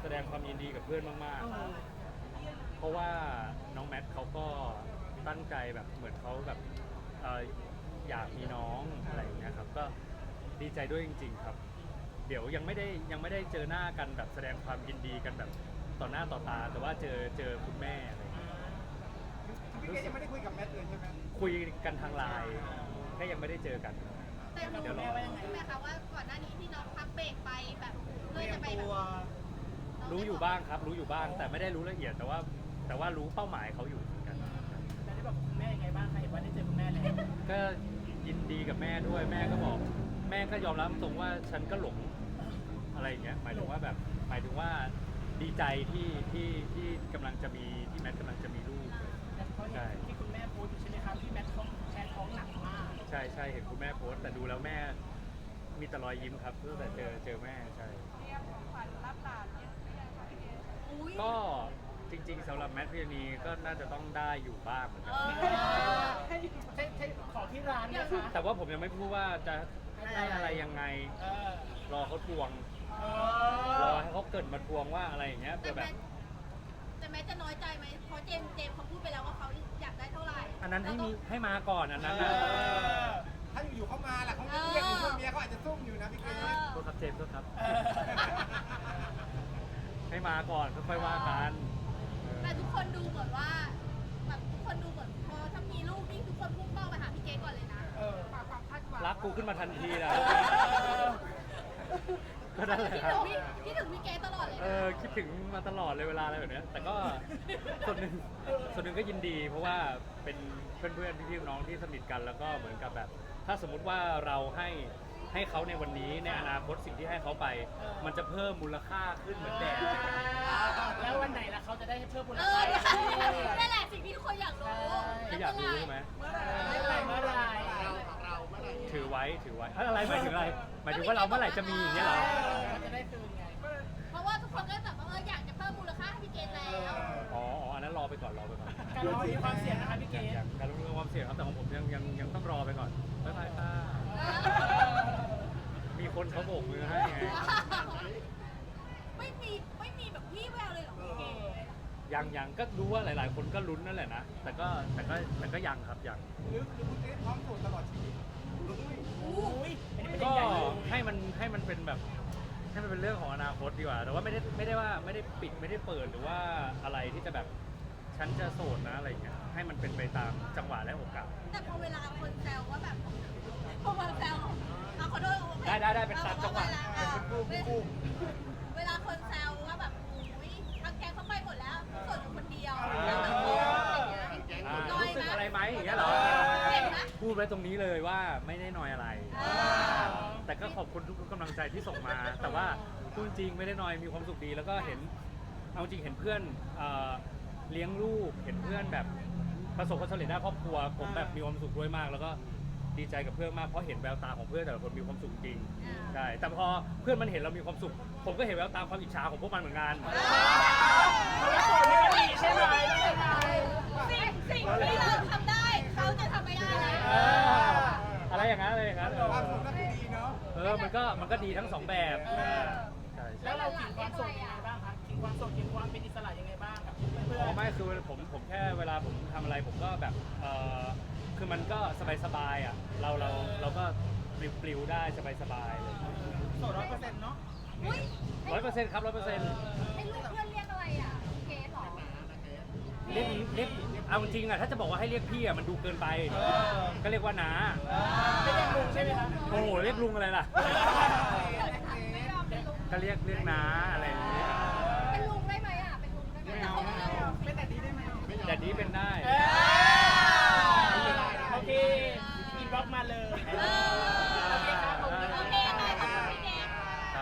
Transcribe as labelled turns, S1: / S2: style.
S1: แสดงความยินดีกับเพื่อนมากๆเพราะว่าน้องแมทเขาก็ตั้งใจแบบเหมือนเขาแบบอยากมีน้องอะไรอย่างเงี้ยครับก็ดีใจด้วยจริงๆครับเดี๋ยวยังไม่ได้เจอหน้ากันแบบแสดงความยินดีกันแบบต่อหน้าต่อตาแต่ว่าเจอคุณแม่อะไรอย่างเงี้ย
S2: พี่เกยังไม่ได้คุยกับแมทเลยใช่ไหม
S1: คุยกันทางไลน์แค่ยังไม่ได้เจอกัน
S3: แต่รู้ใช่ไหมคะว่าก่อนหน้านี้ที่น้องพักเบรกไปแบบเพื่อจะไปแบบ
S1: รู้อยู่บ้างครับรู้อยู่บ้างแต่ไม่ได้รู้ละเอียดแต่ว่ารู้เป้าหมายเขาอยู่เหมือนกัน
S4: แต่ได้บอกคุณแม่ยังไงบ้างคะเห็นว่าได้เจอคุณแม่แล้ว
S1: ก็ยินดีกับแม่ด้วยแม่ก็บอกแม่ก็ยอมรับตรงว่าฉันก็หลงอะไรอย่างเงี้ยหมายถึงว่าดีใจที่กำลังจะมีที่แมทกำลังจะมีลูก
S4: ใช่ที่คุณแม่โพสต์อยู่ใช่ไหมครับที่แมทท้องหนักมาก
S1: ใช่เห็นคุณแม่โพสต์แต่ดูแล้วแม่มีแต่รอยยิ้มครับตั้งแต่เจอแม่ใช่ก็จริงๆสำหรับแมทพิรณีก็น่าจะต้องได้อยู่บ้างเหมือนกัน
S4: ใช่ขอที่ร้านนะคะ
S1: แต่ว่าผมยังไม่พูดว่าจะได้อะไรยังไงรอเขาทวงรอให้เขาเกิดมาทวงว่าอะไรอย่างเงี้ยแบบ
S3: แต่แม้จะน้อยใจไหมเพราะเจมส์เขาพูดไปแล้วว่าเขาอยากได้เท่าไหร่
S1: อันนั้นให้มาก่อนอันนั้นนะ
S2: ถ้าอยู่ๆเขามาล่ะเขาเรียกคุณเมียเขาอาจจะซุ่มอยู่นะพี่เก
S1: โทษครับเจมส์โทษครับให้มาก่อนค่อยว่ากัน
S3: แต่ทุกคนดูเหมือนว่าแบบทุกคนดูเหมือนพอถ้ามีลูกนี่ทุกคนพุ่งเป้าไปหาพี่เกก่อนเลยนะความคาดหวัง
S1: รักกูขึ้นมาทันทีนะก็นั่นแหละครับ
S3: คิดถึงพี่เกตลอดเลย
S1: คิดถึงมาตลอดเลยเวลาอะไรแบบนี้แต่ก็ส่วนหนึ่งก็ยินดีเพราะว่าเป็นเพื่อนพี่น้องที่สนิทกันแล้วก็เหมือนกับแบบถ้าสมมุติว่าเราให้เขาในวันนี้ในอนาคตสิ่งที่ให้เขาไปมันจะเพิ่มมูลค่าขึ้นเหมือนแดด
S4: แล้ววันไหนล่ะเขาจะได้เพิ่มมูลค่า
S3: นั่นแหละสิ่งที่ทุกคนอยากรู้
S1: อยากรู้ใช่ไหม
S4: เมื่อไร
S1: ถือไว้อะไรหมายถึงอะไรหมายถึงว่าเราเมื่อไหร่จะมีอย่างเงี้ยเหรอ
S4: จะได้คืนไง
S3: เพราะว่าทุกคนก็แบบว่าอยากจะเพิ่มมูลค่าให้พี่เกตแล้ว
S1: อ๋ออันนั้นรอไปก่อน
S4: การลงมีความเสี่ยงนะคะพี่เกต
S1: การลงมีความเสี่ยงครับแต่ของผมยังต้องรอไปก่อนบ๊ายบายค่ะมีคนเขาโบกมือให้ไง
S3: ไม่มีแบบพี่แววเลยหรอพี่เกต
S1: ยังก็รู้ว่าหลายๆคนก็ลุ้นนั่นแหละนะแต่ก็ยังครับยัง
S2: หรือคุณเกพร้อมโสดตลอดชีวิต
S1: ก็ให้มันเป็นแบบให้มันเป็นเรื่องของอนาคตดีกว่าแต่ว่าไม่ได้ปิดไม่ได้เปิดหรือว่าอะไรที่จะแบบฉันจะโสดนะอะไรเงี้ยให้มันเป็นไปตามจังหวะและโอกาส
S3: แต่พอเวลาคนแซวว่าแบบพอมาแซวขอโทษ
S1: ได้เป็นตามจังหวะ
S3: เวลาคนแซวว่าแบบอุ้ยทางแกเขาไปหมดแล้วโสดอยู่คนเดียว
S1: รู้สึกอะไรไหมอย่างเงี้ยเหรอพูดไว้ตรงนี้เลยว่าไม่ได้น้อยอะไรแต่ก็ขอบคุณทุกกำลังใจที่ส่งมาแต่ว่าพูดจริงไม่ได้น้อยมีความสุขดีแล้วก็เห็นเอาจริงเห็นเพื่อนเลี้ยงลูกเห็นเพื่อนแบบประสบความสำเร็จด้านครอบครัวผมแบบมีความสุขด้วยมากแล้วก็ดีใจกับเพื่อนมากเพราะเห็นแววตาของเพื่อนแต่ละคนมีความสุขจริงใช่แต่พอเพื่อนมันเห็นเรามีความสุขผมก็เห็นแววตาความอิจฉาของพวกมันเหมือนกัน
S4: ใช่ไหม
S3: สิ่งที่เราทำได้เขาจะทำไม่ได้
S1: อะไรอย่างนั้น
S2: ความสุขก็คือดีเนาะ
S1: มันก็ดีทั้งสองแบบ
S4: ใช่แล้วเราถึงความโสดยังไงบ้างคะถึงความโสดถึงความเป็นอิสระยังไงบ้างกับเพื่อน
S1: ไม่คือผมแค่เวลาผมทำอะไรผมก็แบบคือมันก็สบายอ่ะเราก็ปลิวได้สบายเลย
S4: โสด100%เนาะ
S1: 100%ครับ100%
S3: ให้ลูกเพื่อนเรียกอะไรอ่ะเกสหรอ
S1: เรียกเอาจริงอ่ะถ้าจะบอกว่าให้เรียกพี่อ่ะมันดูเกินไปก็เรียกว่าน้า
S4: ไม่เรียกลุงใช่ไหมคะ
S1: โอ้โหเรียกลุงอะไรล่ะก็เรียกน้าอะไรอย่างเงี้ย
S3: เป็นลุงได้ไหมอ่ะเป็นลุงได้ไหม
S4: เป็นแต่ดีได้ไหม
S1: แต่ดีเป็นได้